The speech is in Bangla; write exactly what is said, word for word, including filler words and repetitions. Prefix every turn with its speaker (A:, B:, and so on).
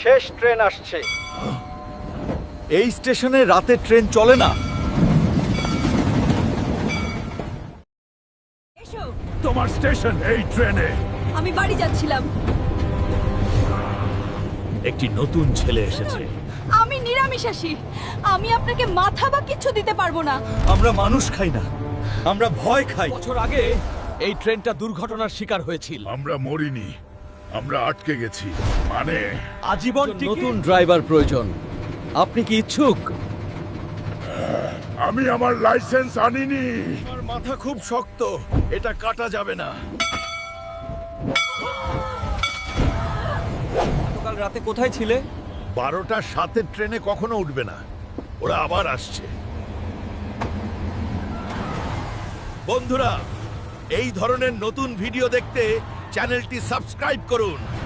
A: শেষ ট্রেন আসছে।
B: এই স্টেশনে রাতে ট্রেন চলে না।
C: এসো,
B: তোমার স্টেশন এই ট্রেনে।
C: আমি বাড়ি যাচ্ছিলাম।
B: একটি নতুন ছেলে এসেছে।
C: আমি নিরামিষাশী, আমি আপনাকে মাথা বা কিছু দিতে পারবো না।
B: আমরা মানুষ খাই না, আমরা ভয় খাই। বছর আগে এই ট্রেনটা দুর্ঘটনার শিকার হয়েছিল।
D: আমরা মরিনি, আমরা আটকে গেছি। মানে
B: আজীবন নতুন ড্রাইভার প্রয়োজন। আপনি কি ইচ্ছুক?
D: আমি আমার লাইসেন্স আনিনি।
B: আমার মাথা খুব শক্ত, এটা কাটা যাবে না। গতকাল রাতে কোথায় ছিলে?
D: বারোটার সাতের ট্রেনে কখনো উঠবে না, ওরা আবার আসছে।
B: বন্ধুরা, এই ধরনের নতুন ভিডিও দেখতে চ্যানেলটি সাবস্ক্রাইব করুন।